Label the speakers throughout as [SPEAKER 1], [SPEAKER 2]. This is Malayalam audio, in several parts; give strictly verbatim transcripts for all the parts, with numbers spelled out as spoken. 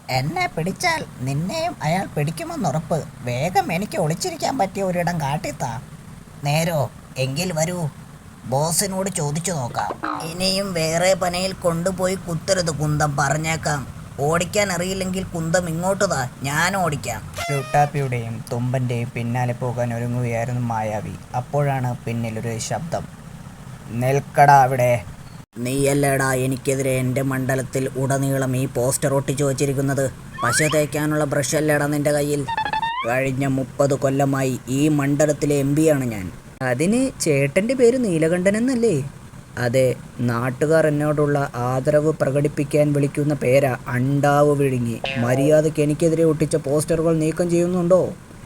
[SPEAKER 1] എന്നെ പിടിച്ചാൽ നിന്നെയും അയാൾ പിടിക്കുമെന്നുറപ്പ്. വേഗം എനിക്ക് ഒളിച്ചിരിക്കാൻ പറ്റിയ ഒരിടം കാട്ടിത്താ. നേരോ? എങ്കിൽ വരൂ, ബോസിനോട് ചോദിച്ചു നോക്കാം. ഇനിയും വേറെ പനയിൽ കൊണ്ടുപോയി കുത്തരുത് കുന്തം, പറഞ്ഞേക്കാം. ഓടിക്കാൻ അറിയില്ലെങ്കിൽ കുന്തം ഇങ്ങോട്ട് താ, ഞാൻ ഓടിക്കാം.
[SPEAKER 2] ലുട്ടാപ്പിയുടെയും തുമ്പൻ്റെയും പിന്നാലെ പോകാൻ ഒരുങ്ങുകയായിരുന്നു മായാവി. അപ്പോഴാണ് പിന്നിലൊരു ശബ്ദം. നിൽക്കടാ അവിടെ.
[SPEAKER 1] നീയല്ലേടാ എനിക്കെതിരെ എൻ്റെ മണ്ഡലത്തിൽ ഉടനീളം ഈ പോസ്റ്റർ ഒട്ടിച്ചു വച്ചിരിക്കുന്നത്? പശ തേക്കാനുള്ള ബ്രഷ് അല്ലേടാ നിൻ്റെ കയ്യിൽ? കഴിഞ്ഞ മുപ്പത് കൊല്ലമായി ഈ മണ്ഡലത്തിലെ എം പിയാണ് ഞാൻ.
[SPEAKER 2] അതിന് ചേട്ടൻ്റെ പേര് നീലകണ്ഠൻ എന്നല്ലേ?
[SPEAKER 1] അതെ, നാട്ടുകാർ എന്നോടുള്ള ആദരവ് പ്രകടിപ്പിക്കാൻ വിളിക്കുന്ന പേരാ അണ്ടാവ് വിഴുങ്ങി. മര്യാദയ്ക്ക് എനിക്കെതിരെ ഒട്ടിച്ച പോസ്റ്ററുകൾ നീക്കം ചെയ്യുന്നുണ്ടോ?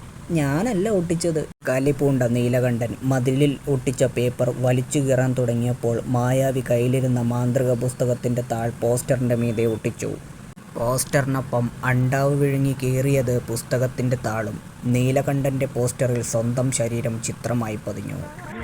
[SPEAKER 2] ഞാനല്ല ഒട്ടിച്ചത്.
[SPEAKER 1] കലിപൂണ്ട നീലകണ്ഠൻ മതിലിൽ ഒട്ടിച്ച പേപ്പർ വലിച്ചു കീറാൻ തുടങ്ങിയപ്പോൾ മായാവി കയ്യിലിരുന്ന മാന്ത്രിക പുസ്തകത്തിൻ്റെ താൾ പോസ്റ്ററിൻ്റെ മീതെ ഒട്ടിച്ചു. പോസ്റ്ററിനൊപ്പം അണ്ടാവ് വിഴുങ്ങി കീറിയത് പുസ്തകത്തിൻ്റെ താളും. നീലകണ്ഠൻ്റെ പോസ്റ്ററിൽ സ്വന്തം ശരീരം ചിത്രമായി പതിഞ്ഞു.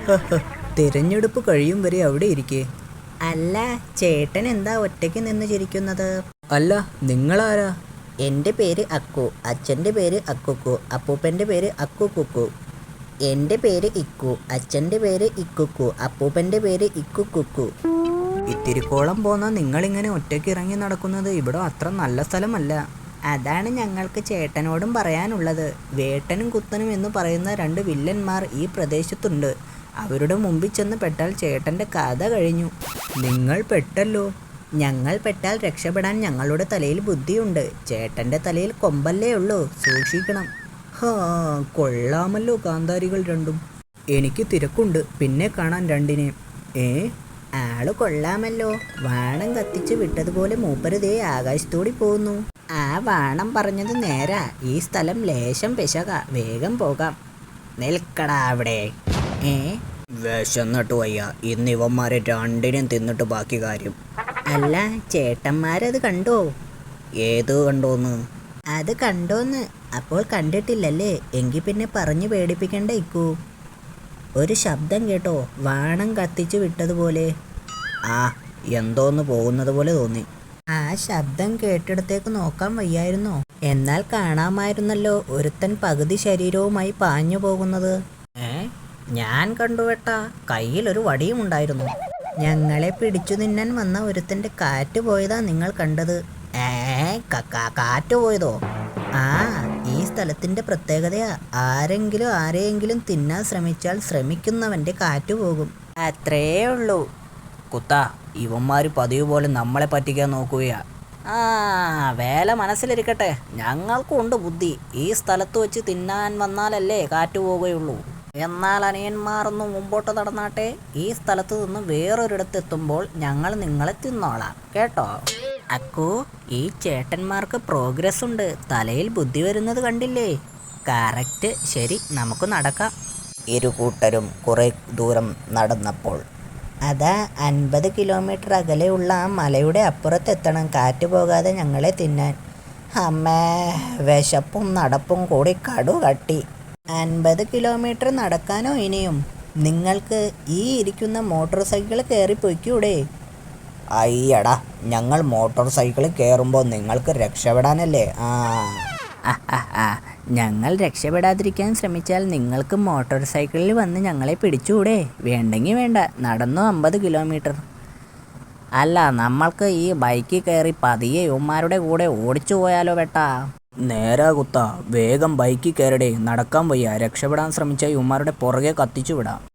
[SPEAKER 2] തിരഞ്ഞെടുപ്പ് കഴിയും വരെ അവിടെ ഇരിക്കേ.
[SPEAKER 1] അല്ല, ചേട്ടൻ എന്താ ഒറ്റയ്ക്ക് നിന്ന് ചിരിക്കുന്നത്?
[SPEAKER 2] അല്ല, നിങ്ങളാരാ?
[SPEAKER 1] എൻ്റെ പേര് അക്കു, അച്ഛൻ്റെ പേര് അക്കുക്കു, അപ്പൂപ്പൻ്റെ പേര് അക്കുക്കുക്കു. എൻ്റെ പേര് ഇക്കു, അച്ഛൻ്റെ പേര് ഇക്കുക്കു, അപ്പൂപ്പൻ്റെ പേര് ഇക്കുക്കുക്കു.
[SPEAKER 2] ഇത്തിരിക്കോളം പോന്ന നിങ്ങളിങ്ങനെ ഒറ്റയ്ക്ക് ഇറങ്ങി നടക്കുന്നത് ഇവിടെ അത്ര നല്ല സ്ഥലമല്ല.
[SPEAKER 1] അതാണ് ഞങ്ങൾക്ക് ചേട്ടനോടും പറയാനുള്ളത്. വേട്ടനും കുത്തനും എന്ന് പറയുന്ന രണ്ട് വില്ലന്മാർ ഈ പ്രദേശത്തുണ്ട്. അവരുടെ മുമ്പിൽ ചെന്ന് പെട്ടാൽ ചേട്ടൻ്റെ കഥ കഴിഞ്ഞു.
[SPEAKER 2] നിങ്ങൾ പെട്ടല്ലോ.
[SPEAKER 1] ഞങ്ങൾ പെട്ടാൽ രക്ഷപ്പെടാൻ ഞങ്ങളുടെ തലയിൽ ബുദ്ധിയുണ്ട്. ചേട്ടൻ്റെ തലയിൽ കൊമ്പല്ലേ ഉള്ളൂ, സൂക്ഷിക്കണം.
[SPEAKER 2] ഹാ, കൊള്ളാമല്ലോ കാന്താരികൾ രണ്ടും. എനിക്ക് തിരക്കുണ്ട്, പിന്നെ കാണാൻ രണ്ടിനെയും. ഏ,
[SPEAKER 1] ആള് കൊള്ളാമല്ലോ. വാണം കത്തിച്ച് വിട്ടതുപോലെ മൂപ്പരുതേ ആകാശത്തോടി പോകുന്നു. ആ വാണം പറഞ്ഞത് നേരാ. ഈ സ്ഥലം ലേശം പിശക, വേഗം പോകാം. നിൽക്കടാ അവിടെ. ഏ,
[SPEAKER 2] വിശന്നിട്ട് വയ്യ. ഇന്ന് ഇവന്മാരെ രണ്ടിനെയും തിന്നിട്ട് ബാക്കി കാര്യം.
[SPEAKER 1] അല്ല, ചേട്ടന്മാരത് കണ്ടോ?
[SPEAKER 2] ഏത് കണ്ടോന്ന്?
[SPEAKER 1] അത് കണ്ടോന്ന്? അപ്പോൾ കണ്ടിട്ടില്ലല്ലേ? എങ്കിൽ പിന്നെ പറഞ്ഞു പേടിപ്പിക്കണ്ട ഇക്കൂ. ഒരു ശബ്ദം കേട്ടോ, വാണം കത്തിച്ച് വിട്ടതുപോലെ.
[SPEAKER 2] ആ, എന്തോന്ന് പോകുന്നത് പോലെ തോന്നി.
[SPEAKER 1] ആ ശബ്ദം കേട്ടിടത്തേക്ക് നോക്കാൻ വയ്യായിരുന്നോ? എന്നാൽ കാണാമായിരുന്നല്ലോ ഒരുത്തൻ പകുതി ശരീരവുമായി പാഞ്ഞു പോകുന്നത്.
[SPEAKER 2] ഏ, ഞാൻ കണ്ടുവേട്ടാ. കയ്യിലൊരു വടിയും ഉണ്ടായിരുന്നു.
[SPEAKER 1] ഞങ്ങളെ പിടിച്ചു തിന്നാൻ വന്ന ഒരുത്തൻ്റെ കാറ്റ് പോയതാ നിങ്ങൾ കണ്ടത്.
[SPEAKER 2] ഏ, കാറ്റ് പോയതോ?
[SPEAKER 1] ആ, ഈ സ്ഥലത്തിൻ്റെ പ്രത്യേകതയാ. ആരെങ്കിലും ആരെയെങ്കിലും തിന്നാൻ ശ്രമിച്ചാൽ ശ്രമിക്കുന്നവൻ്റെ കാറ്റ് പോകും.
[SPEAKER 2] അത്രേ ഉള്ളൂ. കുത്ത, ഇവന്മാർ പതിവ് പോലെ നമ്മളെ പറ്റിക്കാൻ നോക്കുകയാ. ആ, വേല മനസ്സിലിരിക്കട്ടെ. ഞങ്ങൾക്കുണ്ട് ബുദ്ധി. ഈ സ്ഥലത്ത് വെച്ച് തിന്നാൻ വന്നാലല്ലേ കാറ്റ് പോവുകയുള്ളൂ. എന്നാൽ അനിയന്മാരൊന്ന് മുമ്പോട്ട് നടന്നാട്ടെ. ഈ സ്ഥലത്ത് നിന്ന് വേറൊരിടത്തെത്തുമ്പോൾ ഞങ്ങൾ നിങ്ങളെ തിന്നോളാം, കേട്ടോ?
[SPEAKER 1] അക്കു, ഈ ചേട്ടന്മാർക്ക് പ്രോഗ്രസ് ഉണ്ട്. തലയിൽ ബുദ്ധി വരുന്നത് കണ്ടില്ലേ? കറക്റ്റ്. ശരി, നമുക്ക് നടക്കാം.
[SPEAKER 2] ഇരു കൂട്ടരും കുറെ ദൂരം നടന്നപ്പോൾ
[SPEAKER 1] അതാ അൻപത് കിലോമീറ്റർ അകലെയുള്ള ആ മലയുടെ അപ്പുറത്തെത്തണം കാറ്റ് പോകാതെ ഞങ്ങളെ തിന്നാൻ. അമ്മേ, വിശപ്പും നടപ്പും കൂടി കടു കട്ടി. അൻപത് കിലോമീറ്റർ നടക്കാനോ ഇനിയും? നിങ്ങൾക്ക് ഈ ഇരിക്കുന്ന മോട്ടോർ സൈക്കിൾ കയറി പൊയ്ക്കൂടെ?
[SPEAKER 2] അയ്യടാ, ഞങ്ങൾ മോട്ടോർ സൈക്കിളിൽ കയറുമ്പോൾ നിങ്ങൾക്ക് രക്ഷപ്പെടാനല്ലേ. ആ
[SPEAKER 1] ആ, ഞങ്ങൾ രക്ഷപ്പെടാതിരിക്കാൻ ശ്രമിച്ചാൽ നിങ്ങൾക്ക് മോട്ടോർ സൈക്കിളിൽ വന്ന് ഞങ്ങളെ പിടിച്ചുകൂടെ? വേണ്ടെങ്കിൽ വേണ്ട, നടന്നു അമ്പത് കിലോമീറ്റർ.
[SPEAKER 2] അല്ല, നമ്മൾക്ക് ഈ ബൈക്കിൽ കയറി പതിയെ യുവന്മാരുടെ കൂടെ ഓടിച്ചു പോയാലോ വേട്ടാ? നേരാ കുത്ത, വേഗം ബൈക്കിൽ കയറടേ. നടക്കാൻ വയ്യ. രക്ഷപ്പെടാൻ ശ്രമിച്ച യുവന്മാരുടെ പുറകെ കത്തിച്ചു വിടാം.